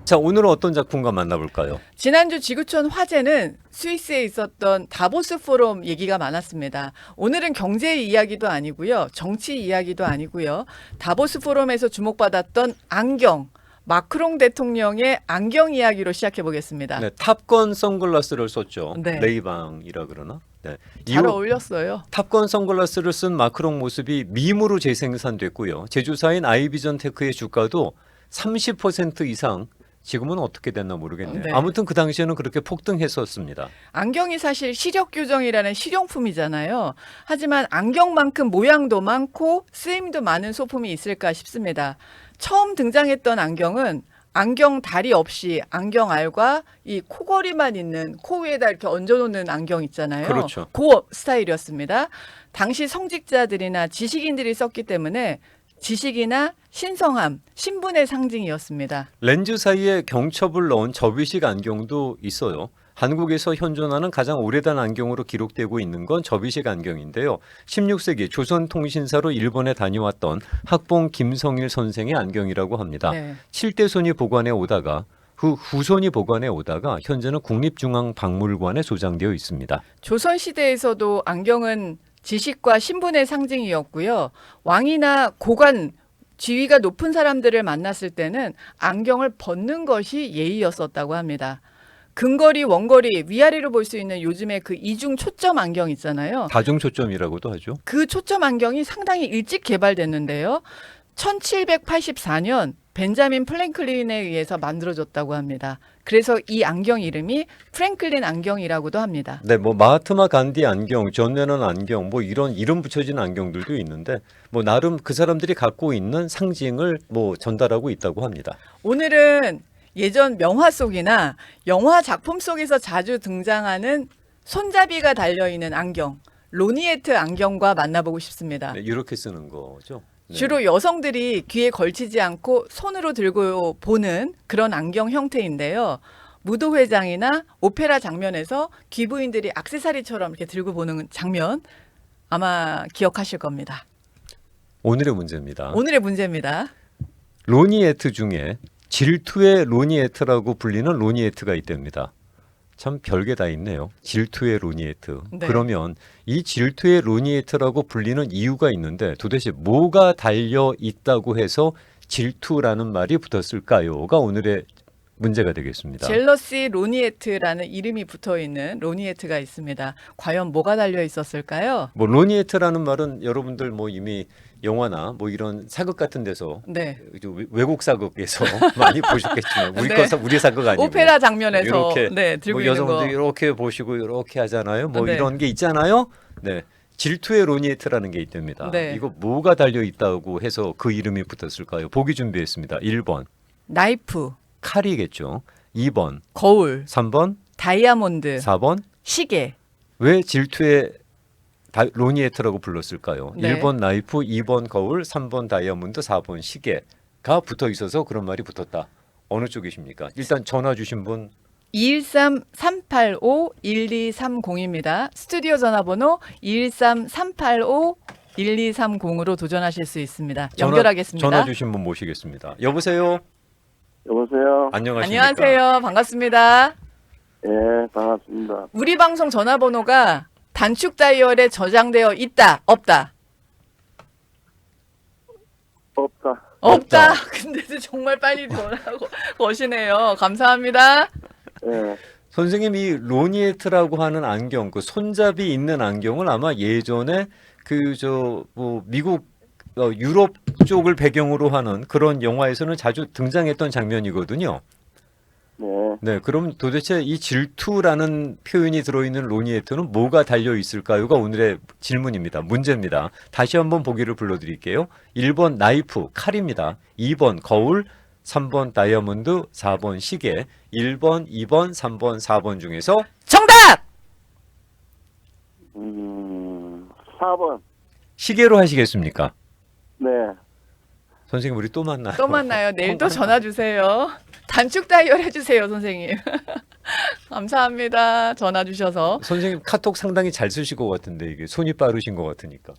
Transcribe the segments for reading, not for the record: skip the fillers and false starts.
자, 오늘은 어떤 작품과 만나볼까요? 지난주 지구촌 화제는 스위스에 있었던 다보스 포럼 얘기가 많았습니다. 오늘은 경제 이야기도 아니고요. 정치 이야기도 아니고요. 다보스 포럼에서 주목받았던 안경, 마크롱 대통령의 안경 이야기로 시작해 보겠습니다. 네, 탑건 선글라스를 썼죠. 네. 레이방이라 그러나? 네. 잘 어울렸어요. 탑건 선글라스를 쓴 마크롱 모습이 밈으로 재생산됐고요. 제조사인 아이비전 테크의 주가도 30% 이상 지금은 어떻게 됐나 모르겠네요. 네. 아무튼 그 당시에는 그렇게 폭등했었습니다. 안경이 사실 시력 교정이라는 실용품이잖아요. 하지만 안경만큼 모양도 많고 쓰임도 많은 소품이 있을까 싶습니다. 처음 등장했던 안경은 안경 다리 없이 안경 알과 이 코걸이만 있는 코 위에다 이렇게 얹어놓는 안경 있잖아요. 그렇죠. 그 스타일이었습니다. 당시 성직자들이나 지식인들이 썼기 때문에 지식이나 신성함, 신분의 상징이었습니다. 렌즈 사이에 경첩을 넣은 접이식 안경도 있어요. 한국에서 현존하는 가장 오래된 안경으로 기록되고 있는 건 접이식 안경인데요. 16세기 조선통신사로 일본에 다녀왔던 학봉 김성일 선생의 안경이라고 합니다. 네. 7대손이 보관해 오다가 후손이 보관해 오다가 현재는 국립중앙박물관에 소장되어 있습니다. 조선시대에서도 안경은 지식과 신분의 상징이었고요. 왕이나 고관, 지위가 높은 사람들을 만났을 때는 안경을 벗는 것이 예의였었다고 합니다. 근거리, 원거리, 위아래로 볼 수 있는 요즘에 그 이중 초점 안경 있잖아요. 다중초점이라고도 하죠. 그 초점 안경이 상당히 일찍 개발됐는데요. 1784년 벤자민 프랭클린에 의해서 만들어졌다고 합니다. 그래서 이 안경 이름이 프랭클린 안경이라고도 합니다. 네, 뭐 마하트마 간디 안경, 존 레넌 안경, 뭐 이런 이름 붙여진 안경들도 있는데 뭐 나름 그 사람들이 갖고 있는 상징을 뭐 전달하고 있다고 합니다. 오늘은 예전 명화 속이나 영화 작품 속에서 자주 등장하는 손잡이가 달려있는 안경, 로니에트 안경과 만나보고 싶습니다. 네, 이렇게 쓰는 거죠. 네. 주로 여성들이 귀에 걸치지 않고 손으로 들고 보는 그런 안경 형태인데요. 무도회장이나 오페라 장면에서 귀부인들이 액세서리처럼 이렇게 들고 보는 장면 아마 기억하실 겁니다. 오늘의 문제입니다. 오늘의 문제입니다. 로니에트 중에 질투의 로니에트라고 불리는 로니에트가 있답니다. 참 별게 다 있네요. 질투의 로니에트. 네. 그러면 이 질투의 로니에트라고 불리는 이유가 있는데 도대체 뭐가 달려 있다고 해서 질투라는 말이 붙었을까요?가 오늘의 문제가 되겠습니다. 젤러시 로니에트라는 이름이 붙어있는 로니에트가 있습니다. 과연 뭐가 달려 있었을까요? 뭐 로니에트라는 말은 여러분들 뭐 이미 영화나 뭐 이런 사극 같은 데서 네. 외국 사극에서 많이 보셨겠지만 우리 네. 우리 사극 아니고 오페라 장면에서 이렇게 네, 들고 뭐 있는 거. 여성분들 이렇게 보시고 이렇게 하잖아요. 뭐 네. 이런 게 있잖아요. 네. 질투의 로니에트라는 게 있답니다. 네. 이거 뭐가 달려 있다고 해서 그 이름이 붙었을까요? 보기 준비했습니다. 1번 나이프, 칼이겠죠. 2번, 거울, 3번, 다이아몬드, 4번. 시계. 왜 질투의 로니에트라고 불렀을까요? 네. 1번 나이프, 2번 거울, 3번 다이아몬드, 4번 시계가 붙어 있어서 그런 말이 붙었다. 어느 쪽이십니까? 일단 전화 주신 분 213-385-1230입니다. 스튜디오 전화번호 213-385-1230으로 도전하실 수 있습니다. 연결하겠습니다. 전화 주신 분 모시겠습니다. 여보세요. 여보세요. 안녕하십니까? 안녕하세요. 반갑습니다. 예, 반갑습니다. 우리 방송 전화번호가 단축 다이얼에 저장되어 있다, 없다? 없다. 없다. 근데도 정말 빨리 전화하고 거시네요. 감사합니다. 예, 선생님 이 로니에트라고 하는 안경, 그 손잡이 있는 안경을 아마 예전에 그 저 뭐 미국 유럽 쪽을 배경으로 하는 그런 영화에서는 자주 등장했던 장면이거든요. 네. 네, 그럼 도대체 이 질투라는 표현이 들어있는 로니에트는 뭐가 달려 있을까요가 오늘의 질문입니다. 문제입니다. 다시 한번 보기를 불러드릴게요. 1번 나이프, 칼입니다. 2번 거울, 3번 다이아몬드, 4번 시계. 1번, 2번, 3번, 4번 중에서 정답! 4번. 시계로 하시겠습니까? 네. 선생님 우리 또 만나요. 또 만나요. 내일 또 전화 주세요. 단축 다이얼 해주세요, 선생님. 감사합니다. 전화 주셔서. 선생님 카톡 상당히 잘 쓰실 것 같은데 이게 손이 빠르신 것 같으니까.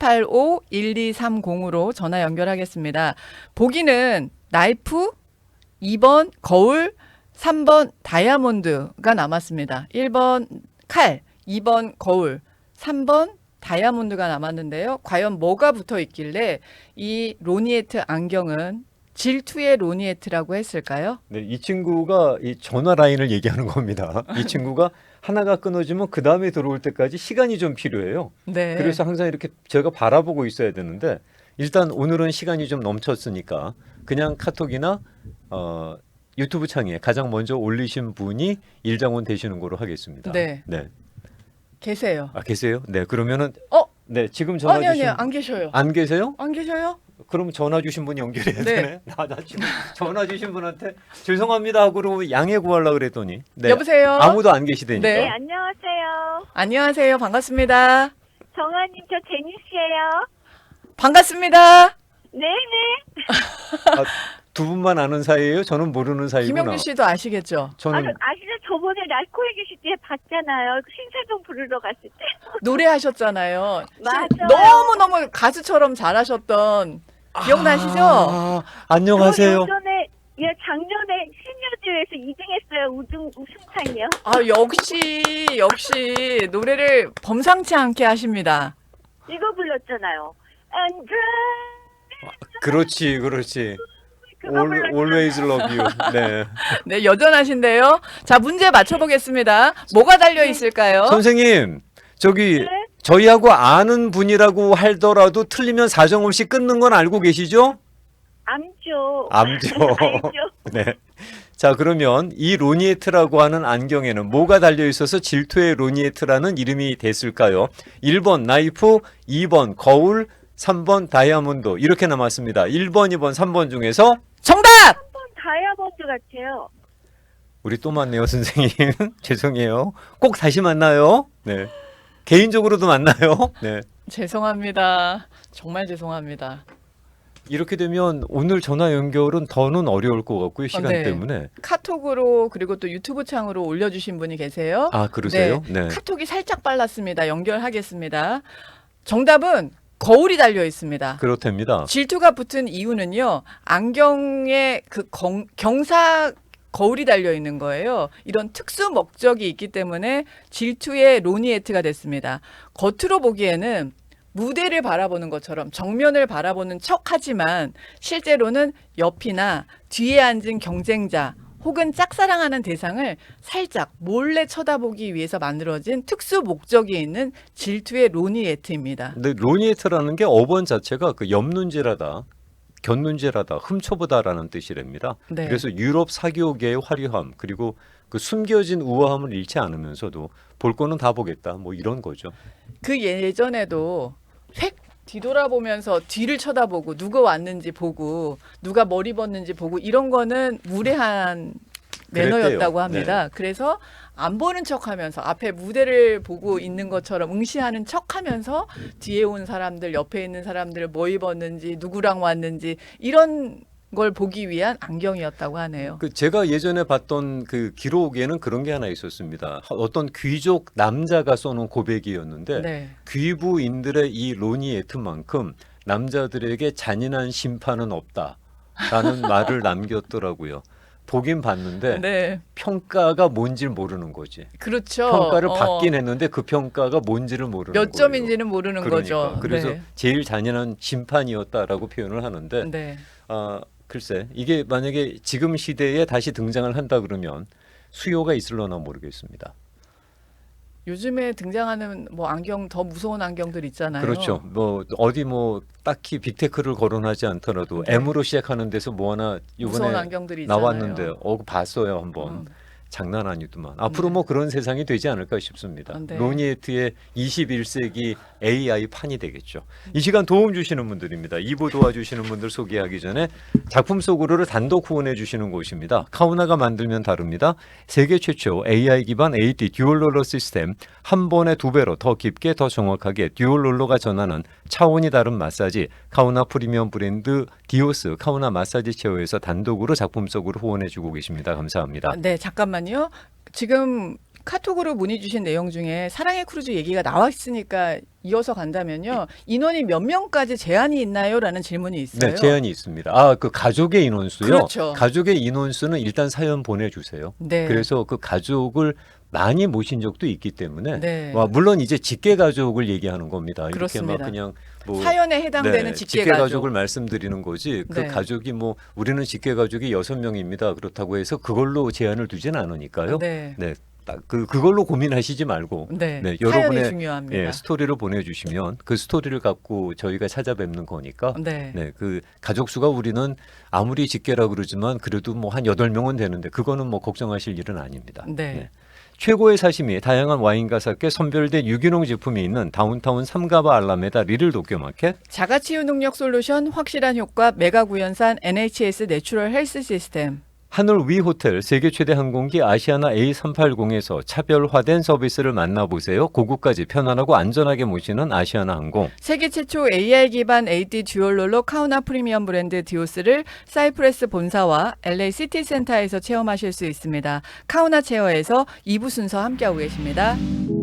213-385-1230으로 전화 연결하겠습니다. 보기는 나이프, 2번 거울, 3번 다이아몬드가 남았습니다. 1번 칼, 2번 거울, 3번 다이아몬드가 남았는데요. 과연 뭐가 붙어 있길래 이 로니에트 안경은 질투의 로니에트라고 했을까요? 네, 이 친구가 이 전화 라인을 얘기하는 겁니다. 이 친구가 하나가 끊어지면 그 다음에 들어올 때까지 시간이 좀 필요해요. 네. 그래서 항상 이렇게 제가 바라보고 있어야 되는데 일단 오늘은 시간이 좀 넘쳤으니까 그냥 카톡이나 유튜브 창에 가장 먼저 올리신 분이 일장원 되시는 거로 하겠습니다. 네. 네. 계세요. 아 계세요? 네. 그러면은 어? 네 지금 전화 아니 주신 안 계셔요. 안 계세요? 안 계셔요? 그럼 전화 주신 분 연결해야 네. 되네. 나 지금 전화 주신 분한테 죄송합니다 하고 그러고 양해 구하려고 그랬더니 네. 여보세요? 아무도 안 계시다니까. 네. 네, 안녕하세요. 안녕하세요. 반갑습니다. 정아님, 저 제니씨예요. 반갑습니다. 네네. 아, 두 분만 아는 사이예요? 저는 모르는 사이구나. 김영준 씨도 아시겠죠? 저는 아시죠? 저번에 날코에 계실 때 봤잖아요. 신사동 부르러 갔을 때. 노래하셨잖아요. 맞아요. 너무너무 가수처럼 잘하셨던 기억나시죠? 아, 안녕하세요. 저 예전에, 작년에 시니어즈에서 2등했어요. 우승상이요. 아, 역시 노래를 범상치 않게 하십니다. 이거 불렀잖아요. And 그렇지. 그거 불렀잖아요. Always love you. 네. 네, 여전하신데요. 자, 문제 맞춰보겠습니다. 뭐가 달려 있을까요? 선생님, 저기 네? 저희하고 아는 분이라고 하더라도 틀리면 사정없이 끊는 건 알고 계시죠? 암죠. 암죠. 알죠. 네. 자, 그러면 이 로니에트라고 하는 안경에는 뭐가 달려 있어서 질투의 로니에트라는 이름이 됐을까요? 1번 나이프, 2번 거울, 3번 다이아몬드 이렇게 남았습니다. 1번, 2번, 3번 중에서 정답! 한번 다이아몬드 같아요. 우리 또 만나요, 선생님. 죄송해요. 꼭 다시 만나요. 네. 개인적으로도 만나요. 네. 죄송합니다. 정말 죄송합니다. 이렇게 되면 오늘 전화 연결은 더는 어려울 것 같고요. 시간 네. 때문에. 카톡으로 그리고 또 유튜브 창으로 올려주신 분이 계세요. 아, 그러세요? 네. 카톡이 살짝 빨랐습니다. 연결하겠습니다. 정답은 거울이 달려 있습니다. 그렇답니다. 질투가 붙은 이유는요. 안경에 그 경사 거울이 달려 있는 거예요. 이런 특수 목적이 있기 때문에 질투의 로니에트가 됐습니다. 겉으로 보기에는 무대를 바라보는 것처럼 정면을 바라보는 척하지만 실제로는 옆이나 뒤에 앉은 경쟁자 혹은 짝사랑하는 대상을 살짝 몰래 쳐다보기 위해서 만들어진 특수 목적이 있는 질투의 로니에트입니다. 근데 로니에트라는 게 어원 자체가 그 엽눈질하다, 곁눈질하다, 훔쳐보다라는 뜻이랍니다. 네. 그래서 유럽 사교계의 화려함 그리고 그 숨겨진 우아함을 잃지 않으면서도 볼 거는 다 보겠다. 뭐 이런 거죠. 그 예전에도 획 뒤돌아보면서 뒤를 쳐다보고 누가 왔는지 보고 누가 머리 벗는지 보고 이런 거는 무례한 매너였다고 그랬대요. 합니다. 그래서 안 보는 척하면서 앞에 무대를 보고 있는 것처럼 응시하는 척하면서 뒤에 온 사람들 옆에 있는 사람들 뭐 입었는지 누구랑 왔는지 이런 걸 보기 위한 안경이었다고 하네요. 그 제가 예전에 봤던 그 기록에는 그런 게 하나 있었습니다. 어떤 귀족 남자가 써놓은 고백이었는데 네. 귀부인들의 이 로니에트만큼 남자들에게 잔인한 심판은 없다라는 말을 남겼더라고요. 보긴 봤는데 네. 평가가 뭔지를 모르는 거지. 그렇죠. 평가를 받긴 했는데 그 평가가 뭔지를 모르는 거예요. 몇 점인지는 모르는 그러니까. 거죠. 그래서 네. 제일 잔인한 심판이었다라고 표현을 하는데 네. 글쎄 이게 만약에 지금 시대에 다시 등장을 한다 그러면 수요가 있을려나 모르겠습니다. 요즘에 등장하는 뭐 안경 더 무서운 안경들 있잖아요. 그렇죠. 뭐 어디 뭐 딱히 빅테크를 거론하지 않더라도 네. M으로 시작하는 데서 뭐 하나 무서운 이번에 안경들이 있잖아요. 나왔는데 그거 봤어요 한번. 장난 아니더만. 앞으로 네. 뭐 그런 세상이 되지 않을까 싶습니다. 네. 로니에트의 21세기 AI 판이 되겠죠. 이 시간 도움 주시는 분들입니다. 2부 도와주시는 분들 소개하기 전에 작품 속으로를 단독 후원해 주시는 곳입니다. 카우나가 만들면 다릅니다. 세계 최초 AI 기반 AD 듀얼 롤러 시스템 한 번에 2배로 더 깊게 더 정확하게 듀얼 롤러가 전하는 차원이 다른 마사지 카우나 프리미엄 브랜드 디오스 카우나 마사지 체어에서 단독으로 작품 속으로 후원해 주고 계십니다. 감사합니다. 네, 잠깐만요. 지금 카톡으로 문의 주신 내용 중에 사랑의 크루즈 얘기가 나와 있으니까 이어서 간다면요. 인원이 몇 명까지 제한이 있나요?라는 질문이 있어요. 네, 제한이 있습니다. 아, 그 가족의 인원수요. 그렇죠. 가족의 인원수는 일단 사연 보내주세요. 네. 그래서 그 가족을 많이 모신 적도 있기 때문에 네. 물론 이제 직계 가족을 얘기하는 겁니다. 이렇게 그렇습니다. 막 그냥 뭐 사연에 해당되는 네, 직계 가족을 가족. 말씀드리는 거지. 그 네. 가족이 뭐 우리는 직계 가족이 6명입니다. 그렇다고 해서 그걸로 제한을 두지는 않으니까요. 네. 네. 딱 그걸로 고민하시지 말고 네. 네, 사연이 여러분의 중요합니다. 예, 스토리를 보내주시면 그 스토리를 갖고 저희가 찾아뵙는 거니까 네. 네, 그 가족 수가 우리는 아무리 직계라 그러지만 그래도 뭐 한 8명은 되는데 그거는 뭐 걱정하실 일은 아닙니다. 네. 최고의 사심이 다양한 와인과 삭케 선별된 유기농 제품이 있는 다운타운 삼가바 알라메다 리를 도쿄마켓, 자가치유 능력 솔루션 확실한 효과 메가 구연산 NHS 내추럴 헬스 시스템. 하늘 위 호텔 세계 최대 항공기 아시아나 A380에서 차별화된 서비스를 만나보세요. 고국까지 편안하고 안전하게 모시는 아시아나 항공. 세계 최초 AR 기반 AD 듀얼롤러 카우나 프리미엄 브랜드 디오스를 사이프레스 본사와 LA 시티센터에서 체험하실 수 있습니다. 카우나 체어에서 2부 순서 함께하고 계십니다.